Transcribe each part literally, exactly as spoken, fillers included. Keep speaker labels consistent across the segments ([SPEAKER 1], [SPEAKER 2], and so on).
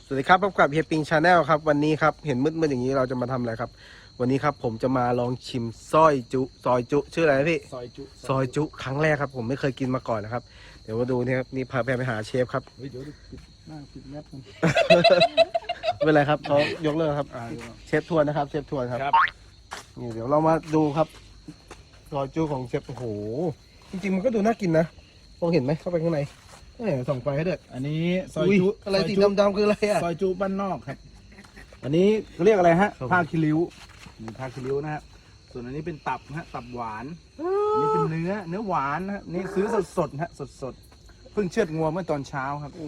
[SPEAKER 1] สวัสดีครับพบกับเฮียปิงชาแนลครับวันนี้ครับเห็นมืดๆอย่างนี้เราจะมาทำอะไรครับวันนี้ครับผมจะมาลองชิมซอยจุซอยจุชื่ออะไรนะพี่
[SPEAKER 2] ซอยจุ
[SPEAKER 1] ซอยจุครั้งแรกครับผมไม่เคยกินมาก่อนนะครับเดี๋ยวมาดูนี่ครับนี่พาแพรไปหาเชฟครับ
[SPEAKER 2] เฮ้ยเดี๋ยวปิดหน้าปิดแมสกัน
[SPEAKER 1] ไม่เป็นไรครับเขายกเลิกครับ
[SPEAKER 2] อ่า
[SPEAKER 1] เชฟทวนนะครับเชฟทวนครับนี่เดี๋ยวเรามาดูครับซอยจุของเชฟโอ้โหจริงๆมันก็ดูน่ากินนะมองเห็นไหมเข้าไปข้างในเอ้ยส่องไฟให้ด้วย
[SPEAKER 2] อันนี้ซอยจุ
[SPEAKER 1] อะไรสี
[SPEAKER 2] ซยจุ
[SPEAKER 1] ดำๆคืออะไรอ่ะ
[SPEAKER 2] ซอยจุบ้านนอกครับ อันนี้เขาเรียกอะไรฮะ
[SPEAKER 1] ครับ
[SPEAKER 2] ผ้าคิริ้วนี่ผ้าคิริ้วนะฮะส่วนอันนี้เป็นตับนะฮะตับหวานอันนี้เป็นเนื้อเนื้อหวานนะฮะนี่ซื้อสดสดๆฮะสดสดๆเพิ่งเชือดงัวเมื่อตอนเช้าครับ
[SPEAKER 1] โอ้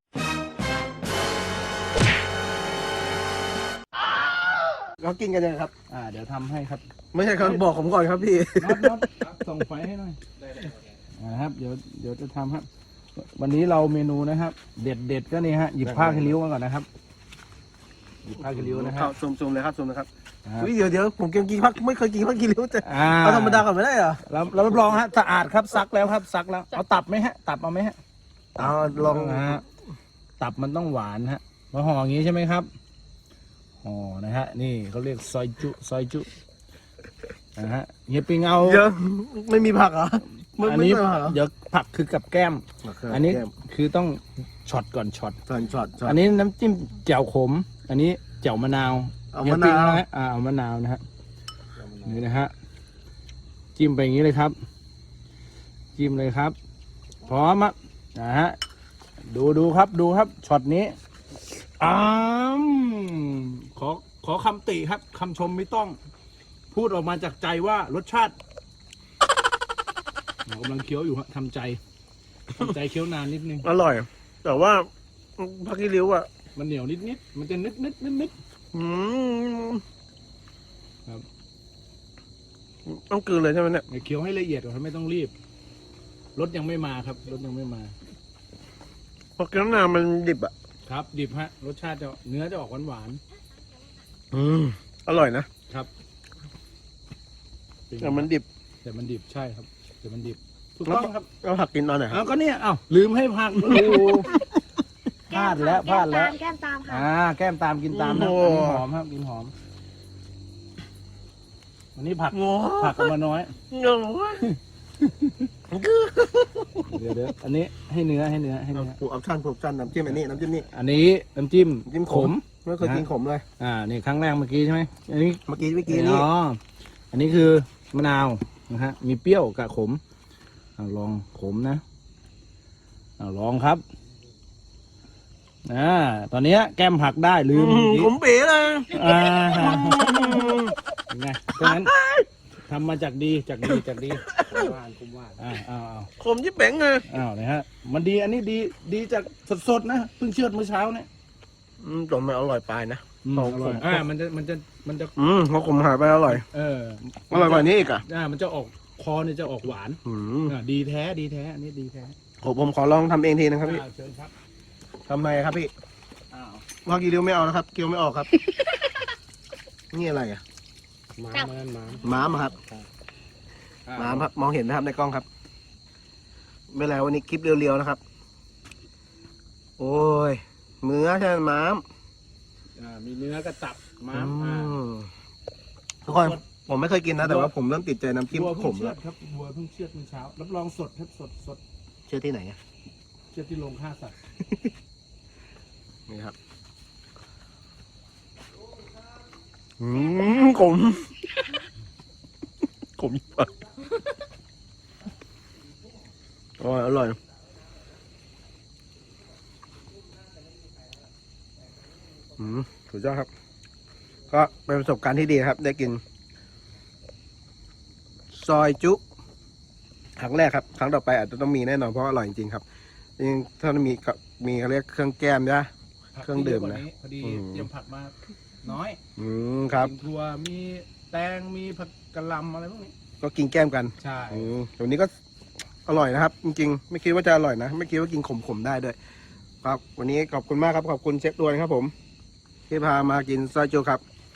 [SPEAKER 1] เขากินกันยังไงครับ
[SPEAKER 2] อ่าเดี๋ยวทำให้ครับ
[SPEAKER 1] ไม่ใช่ครับบอกผมก่อนครับพี่
[SPEAKER 2] น็อตน็อตส่องไฟให้หน่อยนะครับเดี๋ยวเดี๋ยวจะทำครับวันนี้เราเมนูนะครับ เด็ดเด็ดๆก็นี่ฮะหยิบผ้าคิริ้วมาก่อนนะครับหยิบผ้าคิริ้วนะฮะ
[SPEAKER 1] ซูมซูมเลยครับซูมนะครับ
[SPEAKER 2] ครับ
[SPEAKER 1] อุ๊ยเดี๋ยวเดี๋ยวผมกินกินพักไม่เคยกินพักกินริ้วแต่
[SPEAKER 2] อ่า
[SPEAKER 1] เอาธรรมดาก่อนไม่ได้เหรอ
[SPEAKER 2] เราเรารับรองฮะสะอาดครับซักแล้วครับซักแล้วเอาตับไหมฮะตับเอาไหมฮะ
[SPEAKER 1] เอาลอง
[SPEAKER 2] นะฮะตับมันต้องหวานฮะมาห่ออย่างนี้ใช่ไหมครับห่อนะฮะนี่เขาเรียกซอยจุซอยจุนะฮะเฮียปิงเอา
[SPEAKER 1] เยอะไม่มีผักเหรอไม่
[SPEAKER 2] อัน
[SPEAKER 1] ไม่
[SPEAKER 2] นี้
[SPEAKER 1] ใช่ผักเหรอ
[SPEAKER 2] เดี๋ยวผักคือกับแก้ม อันนี้
[SPEAKER 1] แก้ม
[SPEAKER 2] คือต้องช็อตก่อนช็อต
[SPEAKER 1] ช็อตช็อตช็อต
[SPEAKER 2] อันนี้น้ำจิ้มแจ่วขม อันนี้แจ่วมะนาว
[SPEAKER 1] เอา
[SPEAKER 2] ฮีย
[SPEAKER 1] มะ
[SPEAKER 2] ปิง
[SPEAKER 1] นาว
[SPEAKER 2] นะฮะอ่าเอามะนาวนะฮะนี่นะฮะจิ้มไปอย่างนี้เลยครับ จิ้มเลยครับ พร้อมอ่ะนะฮะดูดูครับดูครับช็อตนี้อ้ามขอขอคำติครับคำชมไม่ต้อง พูดออกมาจากใจว่ารสชาติเรากำลังเคี้ยวอยู่ฮะทำใจทำใจเคี้ยวนานนิดนึง
[SPEAKER 1] อร่อย แต่ว่าพักกิริ้วอ่ะ
[SPEAKER 2] มันเหนียวนิดนิดมันจะนึดนึดนึดนึด
[SPEAKER 1] อืม
[SPEAKER 2] ครับ
[SPEAKER 1] ต้องกลืนเลยใช่ไหมเนี่ย
[SPEAKER 2] เดี๋ยวเคี้ยวให้ละเอียดก่อนครับไม่ต้องรีบรสยังไม่มาครับรสยังไม่มา
[SPEAKER 1] เพราะน้ำนามันดิบอ่ะ
[SPEAKER 2] ครับดิบฮะรสชาติจะเนื้อจะออกหวานหวาน
[SPEAKER 1] อืมอร่อยนะ
[SPEAKER 2] ๆครับ
[SPEAKER 1] แต่มันดิบ
[SPEAKER 2] แต่มันดิบใช่ครับแต่มันดิบถูกต้องครับ
[SPEAKER 1] แล้วผักกินตอนไหนค
[SPEAKER 2] เอา
[SPEAKER 1] รับ
[SPEAKER 2] ก็เนี่ยเอ้าลืมให้พักโอ้โหพลาดแล้วพลาดแล้ว
[SPEAKER 3] แก้มตามค่ะ
[SPEAKER 2] อ่าแก้มตามกินตามนะอันนี้หอมครับกินหอมอันนี้ผัก
[SPEAKER 1] โอ้
[SPEAKER 2] ผักเอามาน้อย
[SPEAKER 1] โห
[SPEAKER 2] เดี๋ยวเดี๋ยวอันนี้ให้เนื้อให้เนื้อให้เนื้อ
[SPEAKER 1] ผูกออปชั่นผูกออปชั่นน้ำจิ้มอันนี้น้ำจิ้มนี่
[SPEAKER 2] อันนี้น้ำจิ้ม
[SPEAKER 1] น้ำจิ้มข
[SPEAKER 2] ข
[SPEAKER 1] ม
[SPEAKER 2] ม
[SPEAKER 1] ไม่เคยกินขมเลย
[SPEAKER 2] อ่านี่ครั้งแรกเมื่อกี้ใช่ไหมอันนี้
[SPEAKER 1] เมื่อกี้เมื่อกี้นี่
[SPEAKER 2] อ๋ออันนี้คือมะนาวนะฮะมีเปรี้ยวกับขมอ่าลองขมนะอ่าลองครับอ่าตอนเนี้ยแก้มผักได้ลืม
[SPEAKER 1] อืม
[SPEAKER 2] เมื่อกี้
[SPEAKER 1] ขมเป๋เลย
[SPEAKER 2] อ่าเป็นไงเพราะฉะนั้นทำมาจากดีจากดีจากดีคุ้มว่านคุ้มว่านอ้าวอ้าวอ้าว
[SPEAKER 1] ขมยิ่งเป๋งเลย
[SPEAKER 2] อ้าวนะฮะมันดีอันนี้ดีดีจากสดๆนะเพิ่งเชือดเมื่อเช้าเนี่ย
[SPEAKER 1] อืมจนมันอร่อยปลายนะ
[SPEAKER 2] อืม
[SPEAKER 1] ของ
[SPEAKER 2] อร่อย
[SPEAKER 1] ผม
[SPEAKER 2] อ่ามันจะมันจะมันจะ
[SPEAKER 1] อืมเพราะขมหายไปอร่อย
[SPEAKER 2] เออ
[SPEAKER 1] อร่อยกว่านี้อีกอ่ะ
[SPEAKER 2] อ่ามันจะออกคอเนี่ยจะออกหวาน
[SPEAKER 1] อืม
[SPEAKER 2] อ่าดีแท้ดีแท้อันนี้ดีแท้
[SPEAKER 1] ผมผมขอลองทำเองทีนะครับพี่
[SPEAKER 2] อ่าเชิญครับ
[SPEAKER 1] ทำไงครับพี่
[SPEAKER 2] อ้าว
[SPEAKER 1] ว่ากีริ้วไม่เอานะครับเกี๊ยวไม่ออกครับ นี่อะไรอ่ะ
[SPEAKER 2] ม้ามันม้า
[SPEAKER 1] ม้ามอะครับม้ามครับมองเห็นนะครับในกล้องครับไม่แล้ววันนี้คลิปเรียวๆนะครับ โอ้ยเนื้อใช่ไหมม้าม
[SPEAKER 2] อ่ามีเนื้อกระตับม้า
[SPEAKER 1] อื
[SPEAKER 2] อ่าม
[SPEAKER 1] ทุกคนผมไม่เคยกินนะแต่ว่าผมเริ่มติดใจน้ำจิ้ม
[SPEAKER 2] วัว
[SPEAKER 1] ข
[SPEAKER 2] เพิ่ง
[SPEAKER 1] ม
[SPEAKER 2] เชือ
[SPEAKER 1] แล้
[SPEAKER 2] ด
[SPEAKER 1] ว
[SPEAKER 2] ครับวัวเพิ่งเชือดเมื่อเช้ารับรองสดครับสดสด
[SPEAKER 1] เชื่อที่ไหนอะ
[SPEAKER 2] เชือดที่โรงฆ่าสัตว์
[SPEAKER 1] นี่ครับอืมขมขมยิ่งไปอร่อยอร่อยอืมสุดยอดครับ ก็เป็นประสบการณ์ที่ดีนะครับ ได้กิน ซอยจุครั้งแรกครับ ครั้งต่อไปอาจจะต้องมีแน่นอนเพราะอร่อยจริงๆครับจริงถ้ามีก็มีเขาเรียกเครื่องแก้มนะ เครื่องดื่มนะ
[SPEAKER 2] พอดี
[SPEAKER 1] อืม
[SPEAKER 2] เตรียมผักมาน้อย
[SPEAKER 1] อืมครับ
[SPEAKER 2] มีถั่วมีแตงมีผักกะหล่ำอะไรพวกนี้
[SPEAKER 1] ก็กินแก้มกัน
[SPEAKER 2] ใช่
[SPEAKER 1] อืมตัวนี้ก็อร่อยนะครับ จริงๆ ไม่คิดว่าจะอร่อยนะ ไม่คิดว่ากินขมๆได้ด้วย ครับ วันนี้ขอบคุณมากครับ ขอบคุณเชฟดวนครับผม ที่พามากินซอยจุครับ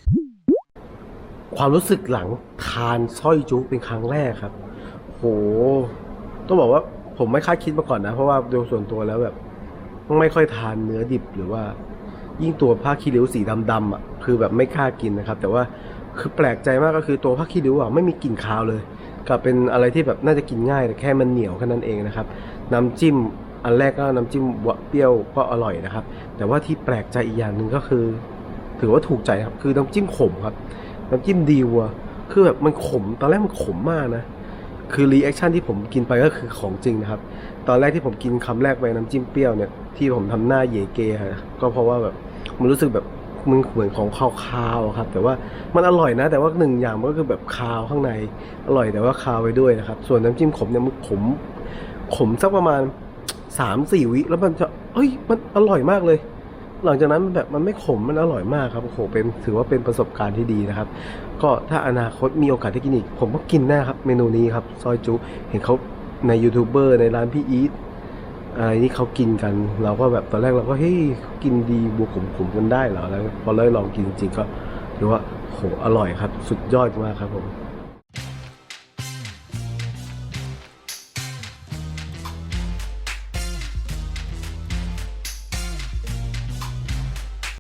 [SPEAKER 1] ความรู้สึกหลังทานซอยจุเป็นครั้งแรกครับ โห ต้องบอกว่าผมไม่คาดคิดมาก่อนนะ เพราะว่าโดยส่วนตัวแล้วแบบ ไม่ค่อยทานเนื้อดิบหรือว่ายิ่งตัวผ้าคีริ้วสีดำๆอ่ะคือแบบไม่กล้ากินนะครับแต่ว่าคือแปลกใจมากก็คือตัวผ้าคีริ้วอ่ะไม่มีกลิ่นคาวเลยกับเป็นอะไรที่แบบน่าจะกินง่ายแต่แค่มันเหนียวแค่นั้นเองนะครับน้ำจิ้มอันแรกก็น้ำจิ้มเปรี้ยวก็อร่อยนะครับแต่ว่าที่แปลกใจอีกอย่างหนึ่งก็คือถือว่าถูกใจครับคือน้ำจิ้มขมครับน้ำจิ้มดีวัวคือแบบมันขมตอนแรกมันขมมากนะคือรีแอคชั่นที่ผมกินไปก็คือของจริงนะครับตอนแรกที่ผมกินคำแรกไปน้ำจิ้มเปรี้ยวเนี่ยที่ผมทำหน้าเยเกฮะก็เพราะว่าแบบมันรู้สึกแบบมันเหมือนของคาวๆครับแต่ว่ามันอร่อยนะแต่ว่าหนึ่งอย่างมันก็คือแบบคาวข้างในอร่อยแต่ว่าคาวไปด้วยนะครับส่วนน้ำจิ้มขมเนี่ยมันขมขมสักประมาณสามสี่วิแล้วมันจะเอ้ยมันอร่อยมากเลยหลังจากนั้นมันแบบมันไม่ขมมันอร่อยมากครับโอ้โหเป็นถือว่าเป็นประสบการณ์ที่ดีนะครับก็ถ้าอนาคตมีโอกาสได้กินอีกผมก็กินแน่ครับเมนูนี้ครับซอยจุเห็นเขาในยูทูบเบอร์ในร้านพี่อีทอะไรนี่เขากินกันเราก็แบบตอนแรกเราก็เฮ้ยกินดีบวกขมๆกันได้เหรอแล้วพอเลยลองกินจริงๆก็ถือว่าโหอร่อยครับสุดยอดมากครับผม